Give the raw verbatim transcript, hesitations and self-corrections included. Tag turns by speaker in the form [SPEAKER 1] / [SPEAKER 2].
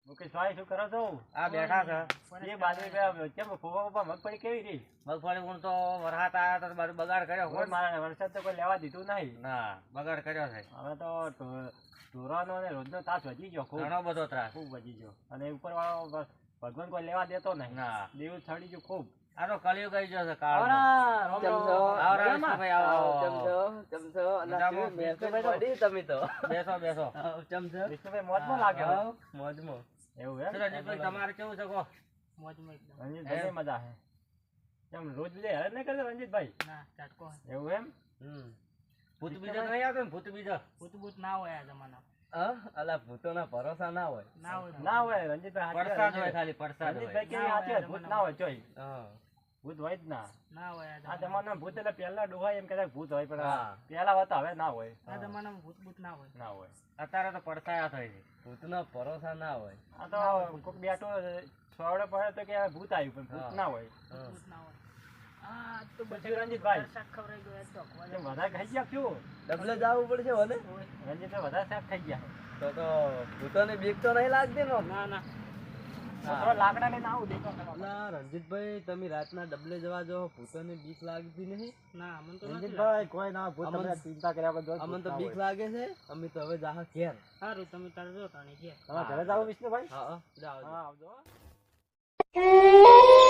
[SPEAKER 1] મુકેશભાઈ શું કરો છો?
[SPEAKER 2] આ બેઠા છે.
[SPEAKER 1] એ બાજુ બે- કેમ ફોફા ફોફા મગફળી કેવી રહી?
[SPEAKER 2] મગફળી ઊણ તો વરસાદ આયા તો બધું બગાડ કર્યો.
[SPEAKER 1] કોઈ મારા વરસાદ તો કોઈ લેવા દીધું નહીં.
[SPEAKER 2] ના બગાડ કર્યો છે.
[SPEAKER 1] હવે તો ઢો- ઢોરાનો અને રોજનો તાસ વધી ગયો ખૂબ
[SPEAKER 2] ઘણો બધો ત્રાસ.
[SPEAKER 1] ખૂબ વધી ગયો અને ઉપર વાળો બ- ભગવાન કોઈ લેવા દેતો નહીં.
[SPEAKER 2] ના
[SPEAKER 1] દેવું છડી ગયું ખૂબ.
[SPEAKER 2] આ તો કળિયુગ આવી ગયો છે કાળ.
[SPEAKER 1] આવરા, રામ રામ.
[SPEAKER 2] આવરા વિષ્ણુભાઈ, આવો, આવો.
[SPEAKER 3] તમે
[SPEAKER 2] બેસો બેસો.
[SPEAKER 1] વિષ્ણુભાઈ મોજમાં લાગે હવે.
[SPEAKER 3] મોજમાં
[SPEAKER 1] એવું એમ?
[SPEAKER 2] શું રણજીતભાઈ તમારે કેવું છે કહો?
[SPEAKER 1] રણજીતભાઈ ને મજા છે. કેમ રોજ બીજે હેરાન નહીં કરતા રણજીતભાઈ? એવું એમ?
[SPEAKER 2] હમ ભૂત બીજો નહીં આવતો ને? ભૂત બીજો
[SPEAKER 3] હા અલા ભૂતોના ભરોસા ના હોય.
[SPEAKER 1] ના હોય રણજીતભાઈ હાચી
[SPEAKER 2] પડસાદ
[SPEAKER 1] વાત
[SPEAKER 2] હોય
[SPEAKER 1] છે.
[SPEAKER 2] ખાલી પડસાદ હોય.
[SPEAKER 1] રણજીતભાઈ કેવી હાચી વાત, ભૂત ના હોય ચોય.
[SPEAKER 3] હા
[SPEAKER 1] ભૂત હોય જ ના. આ જમાનામાં ભૂત એટલે પહેલા ડોહા એમ કહેતા કે ભૂત હોય પણ
[SPEAKER 3] હા.
[SPEAKER 1] પહેલા હતા હવે ના હોય.
[SPEAKER 3] હા.
[SPEAKER 1] ના હોય.
[SPEAKER 2] અત્યારે તો પડસાયા થઈ છે.
[SPEAKER 3] ભૂતના ભરોસા ના હોય.
[SPEAKER 1] આ તો કોક બેઠો સોવડે પડે તો કે આ ભૂત આવ્યું પણ ભૂત
[SPEAKER 3] હા.
[SPEAKER 1] ના હોય.
[SPEAKER 3] હા.
[SPEAKER 1] પછી રણજીતભાઈ કેમ વધારે ખાઈ ગયા શું?
[SPEAKER 3] ડબલે જવું પડશે હોને
[SPEAKER 1] રણજીતભાઈ વધારે શાક ખાઈ ગયા.
[SPEAKER 3] તો તો ભૂતોને બીક તો નહીં લાગતી ને.
[SPEAKER 1] તો થોડા લાકડા લઈને આવું દેખો કરો.
[SPEAKER 3] અલા રણજીતભાઈ તમે રાતના ડબલે જવા જો ભૂતોને બીક લાગતી નહીં.
[SPEAKER 1] રણજીતભાઈ કોઈ ના ભૂત
[SPEAKER 3] અમન-
[SPEAKER 1] તમે ચિંતા કર્યા વગર
[SPEAKER 3] અમને
[SPEAKER 1] ભૂત
[SPEAKER 3] તો
[SPEAKER 1] ના
[SPEAKER 3] બીક
[SPEAKER 1] હોય.
[SPEAKER 3] લાગે છે. અમે તો હવે જાહ ઘેર.
[SPEAKER 1] તમારા ઘરે જાવ વિષ્ણુભાઈ?
[SPEAKER 3] હા હા જાઓ
[SPEAKER 1] હા આવજો.